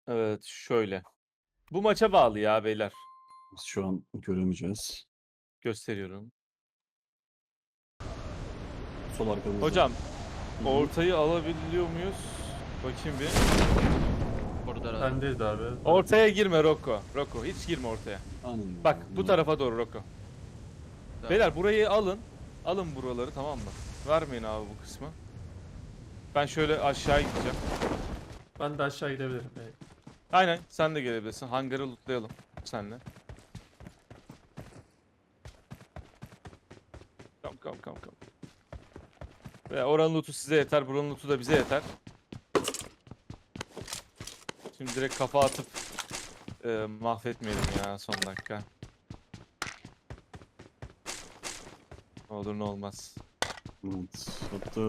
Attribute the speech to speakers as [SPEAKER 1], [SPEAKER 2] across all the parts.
[SPEAKER 1] Evet, şöyle. Bu maça bağlı ya beyler.
[SPEAKER 2] Biz şu an göremeyeceğiz.
[SPEAKER 1] Gösteriyorum.
[SPEAKER 2] Sol arkamızda.
[SPEAKER 1] Hocam,
[SPEAKER 2] Hı hı.
[SPEAKER 1] ortayı alabiliyor muyuz? Bakayım bir.
[SPEAKER 3] Burada herhalde.
[SPEAKER 4] Bendeyiz abi.
[SPEAKER 1] Ortaya girme Rocco. Rocco hiç girme ortaya.
[SPEAKER 2] Aynen.
[SPEAKER 1] Bak bu tarafa doğru Rocco.
[SPEAKER 3] Tamam.
[SPEAKER 1] Beyler burayı alın. Alın buraları, tamam mı? Vermeyin abi bu kısmı. Ben şöyle aşağı gideceğim.
[SPEAKER 4] Ben de aşağı gidebilirim.
[SPEAKER 1] Aynen, sen de gelebilirsin. Hangarı lootlayalım senle. Come. Ve oranın lootu size yeter, buranın lootu da bize yeter. Şimdi direkt kafa atıp mahvetmeyelim ya son dakika. Ne olur ne olmaz.
[SPEAKER 2] Evet. Hatta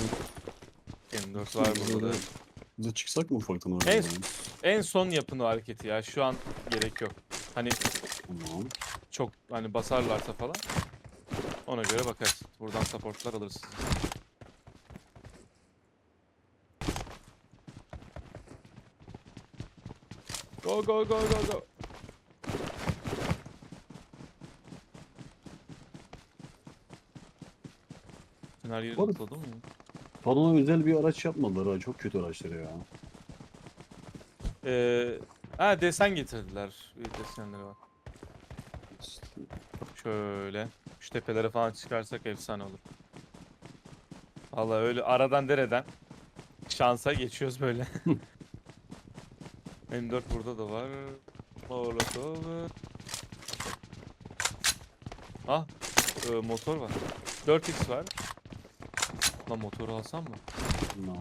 [SPEAKER 1] M4 var burada da.
[SPEAKER 2] bize çıksak mı ufaktan oraya?
[SPEAKER 1] En, en son yapın o hareketi ya. Şu an gerek yok. Hani
[SPEAKER 2] Tamam.
[SPEAKER 1] çok hani basarlarsa falan. Ona göre bakarız. Buradan supportlar alırız sizi. Go. Her yeri
[SPEAKER 2] Oğlum.
[SPEAKER 1] lootladın mı?
[SPEAKER 2] Bana özel bir araç yapmadılar ha. Çok kötü araçları ya.
[SPEAKER 1] Desen getirdiler. Desenleri var.
[SPEAKER 2] İşte,
[SPEAKER 1] Şöyle. Şu tepelere falan çıkarsak efsane olur. Vallahi öyle aradan dereden şansa geçiyoruz böyle. M4 burada da var. Molotov. Ah, motor var. 4x var. Lan motoru alsam mı?
[SPEAKER 2] no.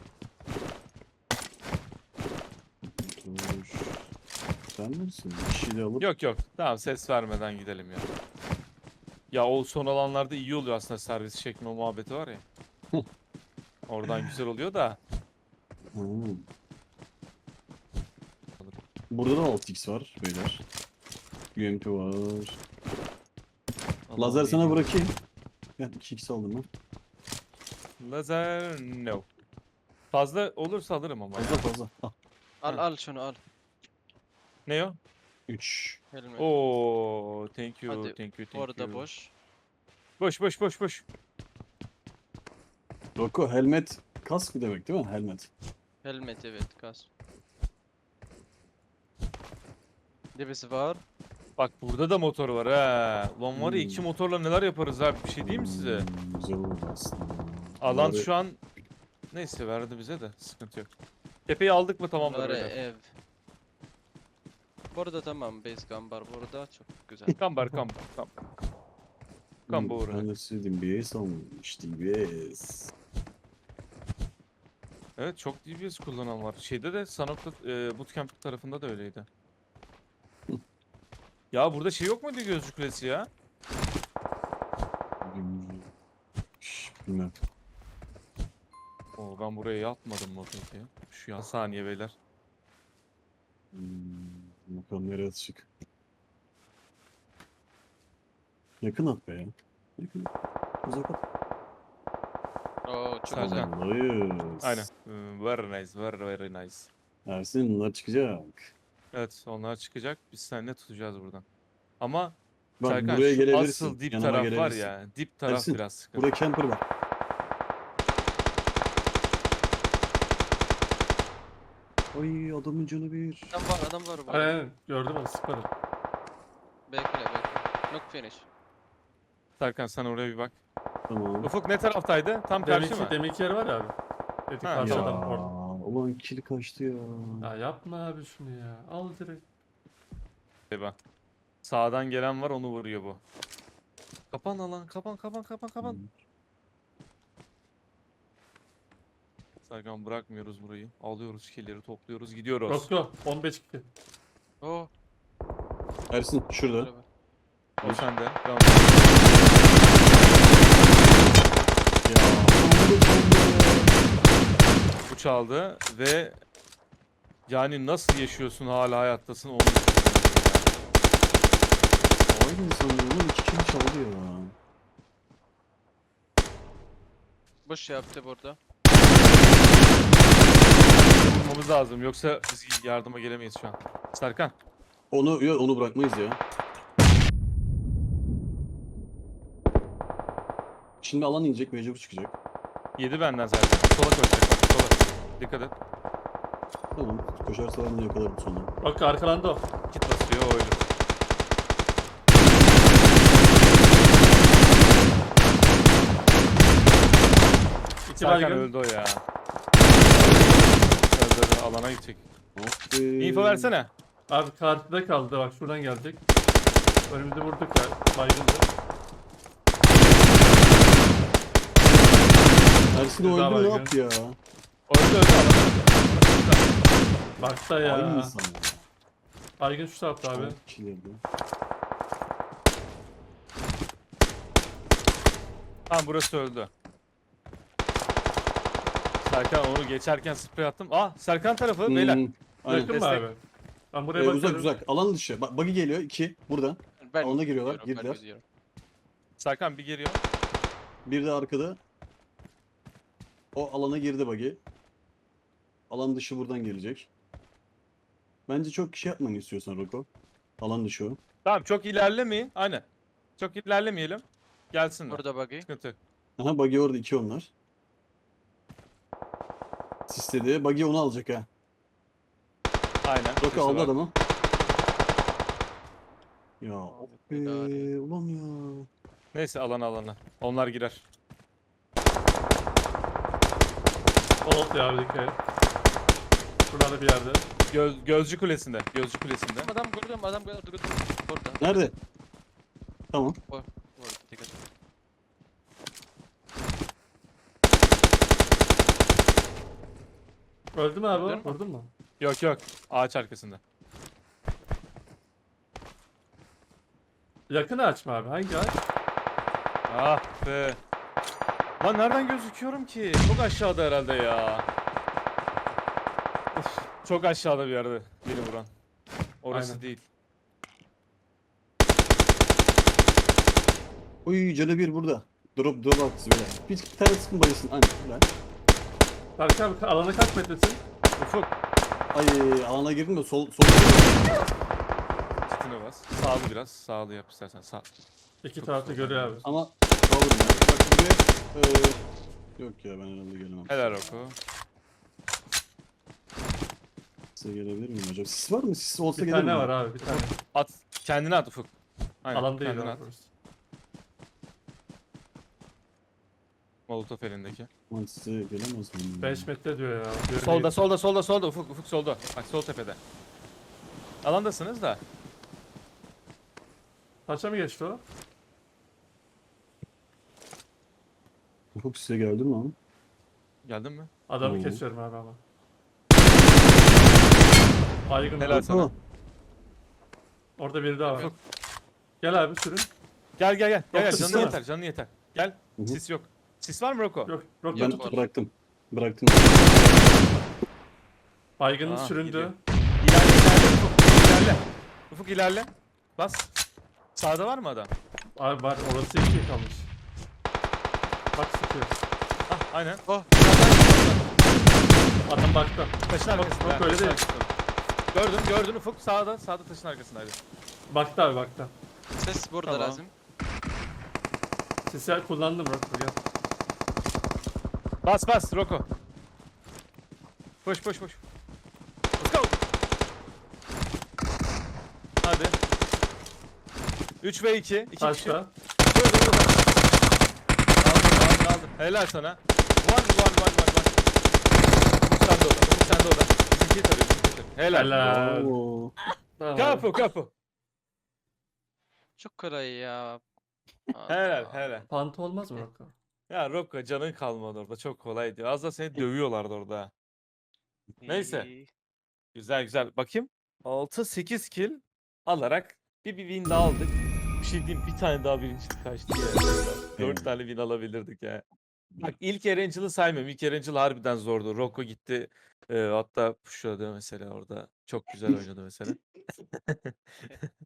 [SPEAKER 2] Dur. Sen misin? Bir şey de alıp
[SPEAKER 1] Yok. Tamam, ses vermeden gidelim ya. Ya o son alanlarda iyi oluyor aslında, servis çekme muhabbeti var ya. Oradan güzel oluyor da.
[SPEAKER 2] Hmm. Burada da 6x var beyler. UMP var. Lazer sana bırakayım. Ben 2x aldım ben.
[SPEAKER 1] Lazer no. Fazla olursa alırım ama
[SPEAKER 2] Fazla
[SPEAKER 1] ya.
[SPEAKER 2] fazla. Ah,
[SPEAKER 3] Al şunu al.
[SPEAKER 1] Ne o?
[SPEAKER 2] 3.
[SPEAKER 3] Helmet.
[SPEAKER 1] Oo, thank you.
[SPEAKER 3] Hadi, orada boş.
[SPEAKER 1] Boş.
[SPEAKER 2] Rocco helmet kask mı demek değil mi? Helmet.
[SPEAKER 3] Helmet evet kas. Birisi var.
[SPEAKER 1] Bak burada da motor var ha. Lan var ya, iki motorla neler yaparız abi, bir şey diyeyim mi size?
[SPEAKER 2] Güzel oldu aslında.
[SPEAKER 1] Alan
[SPEAKER 2] Bari-
[SPEAKER 1] şu an neyse verdi bize de, sıkıntı yok. Tepeyi aldık mı tamamdır
[SPEAKER 3] Bunları
[SPEAKER 1] beyler.
[SPEAKER 3] ev. Burada tamam base gambar burada çok güzel.
[SPEAKER 1] Kambar. Kambur.
[SPEAKER 2] Ben de sevdiğim DBS almış. DBS.
[SPEAKER 1] Evet, çok DBS kullanan var. Şeyde de Sanok'ta Bootcamp tarafında da öyleydi. Ya burada şey yok muydu, gözcü kulesi ya?
[SPEAKER 2] Bilmem.
[SPEAKER 1] Oo, ben buraya yatmadım mı peki? Şu an saniye beyler.
[SPEAKER 2] Bakalım nereye atacak. Yakın at be ya. Yakın. Uzak at.
[SPEAKER 3] Oo çok
[SPEAKER 1] Serkan.
[SPEAKER 3] güzel.
[SPEAKER 2] Sallayız.
[SPEAKER 1] Aynen. Very nice, very nice.
[SPEAKER 2] Ersin bunlar çıkacak.
[SPEAKER 1] Evet, onlar çıkacak. Biz seninle tutacağız buradan. Ama
[SPEAKER 2] Bak
[SPEAKER 1] Serkan,
[SPEAKER 2] buraya
[SPEAKER 1] şu
[SPEAKER 2] gelebilirsin.
[SPEAKER 1] asıl dip
[SPEAKER 2] Yanıma
[SPEAKER 1] taraf var
[SPEAKER 2] gelebilirsin.
[SPEAKER 1] ya. Dip taraf
[SPEAKER 2] Ersin,
[SPEAKER 1] biraz sıkıntı.
[SPEAKER 2] Burada camper var. Ay adamın canı bir.
[SPEAKER 3] Adam var burada.
[SPEAKER 4] Aynen gördüm onu sıkmadım.
[SPEAKER 3] Bekle. Knock finish.
[SPEAKER 1] Serkan sen oraya bir bak.
[SPEAKER 2] Tamam.
[SPEAKER 1] Ufuk ne taraftaydı? Tam karşı mı?
[SPEAKER 4] Deminki yer var ya abi. Dedik
[SPEAKER 1] Ha,
[SPEAKER 4] karşı
[SPEAKER 2] Ya
[SPEAKER 4] adam orada.
[SPEAKER 2] ulan kill kaçtı ya.
[SPEAKER 4] Ya yapma abi şunu ya. Al direkt.
[SPEAKER 1] Bak. Sağdan gelen var, onu vuruyor bu. Kapan alan, kapan. Serkan, bırakmıyoruz burayı. Alıyoruz killleri, topluyoruz, gidiyoruz.
[SPEAKER 4] Rocco 15 2.
[SPEAKER 3] Oo.
[SPEAKER 2] Ersin şurada.
[SPEAKER 3] Araba.
[SPEAKER 1] O sende. Devam.
[SPEAKER 2] Ya.
[SPEAKER 1] Bu çaldı ve yani nasıl yaşıyorsun, hala hayattasın onu
[SPEAKER 2] Aynı insanlar 2 kill çaldı ya.
[SPEAKER 3] Boş yaptı burada.
[SPEAKER 1] bulmamız lazım yoksa biz yardıma gelemeyiz şu an. Serkan.
[SPEAKER 2] Onu bırakmayız ya. Şimdi alan inecek, mecbur çıkacak.
[SPEAKER 1] Yedi benden zaten. Sola koşacak bak sola. Dikkat et.
[SPEAKER 2] Tamam. Koşarsa ben de yakalarım sonra.
[SPEAKER 4] Bak arkalandı o.
[SPEAKER 1] Kit basıyor o ölür.
[SPEAKER 4] İki
[SPEAKER 1] Serkan
[SPEAKER 4] baygın.
[SPEAKER 1] öldü o ya. Öldü, alana gidecek.
[SPEAKER 2] Of be.
[SPEAKER 1] Info versene.
[SPEAKER 4] Abi karşıda kaldı bak şuradan gelecek. Önümüzde vurduk ya. Baygındı.
[SPEAKER 2] Ersin
[SPEAKER 4] Bir
[SPEAKER 2] o
[SPEAKER 4] daha
[SPEAKER 2] öldü mü, ne
[SPEAKER 4] baygın.
[SPEAKER 2] yaptı ya?
[SPEAKER 1] Öldü alana öldü.
[SPEAKER 4] Bakta ya.
[SPEAKER 2] Aynı insan ya.
[SPEAKER 4] Baygın şu tarafta abi.
[SPEAKER 2] Kişilerdi.
[SPEAKER 1] Tamam burası öldü. Serkan onu geçerken sprey attım. Ah Serkan tarafı beyler.
[SPEAKER 2] Aynen.
[SPEAKER 4] Yakın mı
[SPEAKER 1] destek.
[SPEAKER 4] abi? Ben buraya bakıyorum.
[SPEAKER 2] Uzak uzak. Alan dışı. Bak buggy geliyor. 2. Burada.
[SPEAKER 3] Ben
[SPEAKER 2] Alana giriyorlar,
[SPEAKER 3] gidiyorum, ben
[SPEAKER 2] girdiler.
[SPEAKER 3] gidiyorum.
[SPEAKER 1] Serkan bir geliyor.
[SPEAKER 2] Bir de arkada. O alana girdi buggy. Alan dışı buradan gelecek. Bence çok kişi yapmanı istiyorsan Roko. Alan dışı o.
[SPEAKER 1] Tamam çok ilerlemeyin. Aynen. Çok ilerlemeyelim. Gelsinler.
[SPEAKER 3] Burada buggy.
[SPEAKER 1] Sıkıntı yok.
[SPEAKER 2] Aha buggy orada, 2 onlar. Sisledi. Buggy onu alacak ha.
[SPEAKER 1] Aynen.
[SPEAKER 2] Roko
[SPEAKER 1] Sesi
[SPEAKER 2] aldı
[SPEAKER 1] var.
[SPEAKER 2] adamı. Ya of be,
[SPEAKER 3] idare.
[SPEAKER 2] ulan ya.
[SPEAKER 1] Neyse alana. Onlar girer.
[SPEAKER 4] Old ya abi dikkat et. Buralarda bir yerde.
[SPEAKER 1] Gözcü kulesinde. Gözcü kulesinde.
[SPEAKER 3] Adam gördüm, adam gördüm. Burada.
[SPEAKER 2] Nerede? Tamam.
[SPEAKER 3] Burada, dikkat et.
[SPEAKER 4] Öldü mü abi o?
[SPEAKER 3] Öldün mü?
[SPEAKER 4] Vurdun mu?
[SPEAKER 1] Yok. Ağaç arkasında.
[SPEAKER 4] Yakını açma abi. Hangi ağaç?
[SPEAKER 1] Ah be. Lan nereden gözüküyorum ki? Çok aşağıda herhalde ya. Uf, çok aşağıda bir yerde beni vuran. Orası
[SPEAKER 4] Aynen.
[SPEAKER 1] değil.
[SPEAKER 2] Uy canı bir burada. Drop attı böyle. Bir tane sıkın bayılsın. Aynen. Güzel.
[SPEAKER 4] Berk abi alana kaç metresin?
[SPEAKER 1] Ufuk.
[SPEAKER 2] Ay alana girdim de sol
[SPEAKER 1] Kitine bas. Sağlı biraz. Sağlı yap istersen. Sağ.
[SPEAKER 4] İki
[SPEAKER 1] Çok
[SPEAKER 4] tarafta
[SPEAKER 1] güzel.
[SPEAKER 4] görüyor abi.
[SPEAKER 2] ama kalırım ya. Bak buraya yok ya, ben herhalde gelemem.
[SPEAKER 1] Helal oku.
[SPEAKER 2] Size gelebilir miyim hocam? Sis var mı? Sis olsa
[SPEAKER 4] Bir
[SPEAKER 2] gelirim.
[SPEAKER 4] tane
[SPEAKER 2] ben.
[SPEAKER 4] var abi bir tane.
[SPEAKER 1] At. Kendine at Ufuk. Aynen.
[SPEAKER 4] Alan değil
[SPEAKER 1] kendine
[SPEAKER 4] abi
[SPEAKER 1] at.
[SPEAKER 4] burası.
[SPEAKER 1] Molotof elindeki.
[SPEAKER 2] Aman size gelemez miyim?
[SPEAKER 4] 5 metre diyor ya. Diyor
[SPEAKER 1] Solda Ufuk solda. Bak sol tepede. Alandasınız da.
[SPEAKER 4] Taşa mı geçti o?
[SPEAKER 2] Ufuk size geldi mi lan?
[SPEAKER 1] Geldin mi?
[SPEAKER 4] Adamı
[SPEAKER 2] Oo.
[SPEAKER 4] kesiyorum abi ama. Baygın
[SPEAKER 1] Helal
[SPEAKER 4] var.
[SPEAKER 1] sana.
[SPEAKER 4] Orada biri daha var.
[SPEAKER 1] Ufuk.
[SPEAKER 4] Gel abi sürün.
[SPEAKER 1] Gel.
[SPEAKER 4] Yok,
[SPEAKER 1] Canın
[SPEAKER 4] sis var.
[SPEAKER 1] yeter. Canın yeter. Gel.
[SPEAKER 2] Hı hı.
[SPEAKER 1] Sis yok. Sis var mı Roko?
[SPEAKER 4] Yok yok
[SPEAKER 2] Ben
[SPEAKER 4] tut.
[SPEAKER 2] bıraktım.
[SPEAKER 4] Baygının
[SPEAKER 1] Aa,
[SPEAKER 4] süründü.
[SPEAKER 1] gidiyor. İlerle Ufuk. İlerle. Ufuk ilerle. Bas. Sağda var mı adam?
[SPEAKER 4] Abi var orası 2 kalmış. Bak sıkıyor.
[SPEAKER 1] Ah aynen.
[SPEAKER 3] Oh,
[SPEAKER 4] Adam baktı.
[SPEAKER 1] Taşın arkasında.
[SPEAKER 4] yok, öyle
[SPEAKER 1] taşın
[SPEAKER 4] değil.
[SPEAKER 1] arkasında. Gördün Ufuk sağda taşın arkasındaydı.
[SPEAKER 4] Baktı abi baktı.
[SPEAKER 3] ses burada
[SPEAKER 1] Tamam.
[SPEAKER 3] lazım.
[SPEAKER 4] Sisi kullandım Rokko gel.
[SPEAKER 1] Bas Roko. Push. Let's go. Hadi. 3 ve 2. 2 kişi.
[SPEAKER 4] Taşta.
[SPEAKER 1] Aldım. Helal sana. One. Sen de orada. Bizimkiyi tarıyor. Helal.
[SPEAKER 4] Helal.
[SPEAKER 2] Oo.
[SPEAKER 4] Tamam.
[SPEAKER 1] Kapı.
[SPEAKER 3] Çok kolay ya.
[SPEAKER 1] Helal.
[SPEAKER 4] Pantı olmaz mı Rokko?
[SPEAKER 1] Ya Rocco canın kalmadı orada. Çok kolaydı. Az da seni dövüyorlardı orada. Neyse.
[SPEAKER 3] İyi.
[SPEAKER 1] Güzel. Bakayım. 6-8 kill alarak bir win daha aldık. Bir şey diyeyim, bir tane daha birincilik kaçtı ya. 4 tane win alabilirdik ya. Bak ilk Erangel'ı saymıyorum. İlk Erangel harbiden zordu. Rocco gitti. Hatta pushladı mesela orada. Çok güzel oynadı mesela.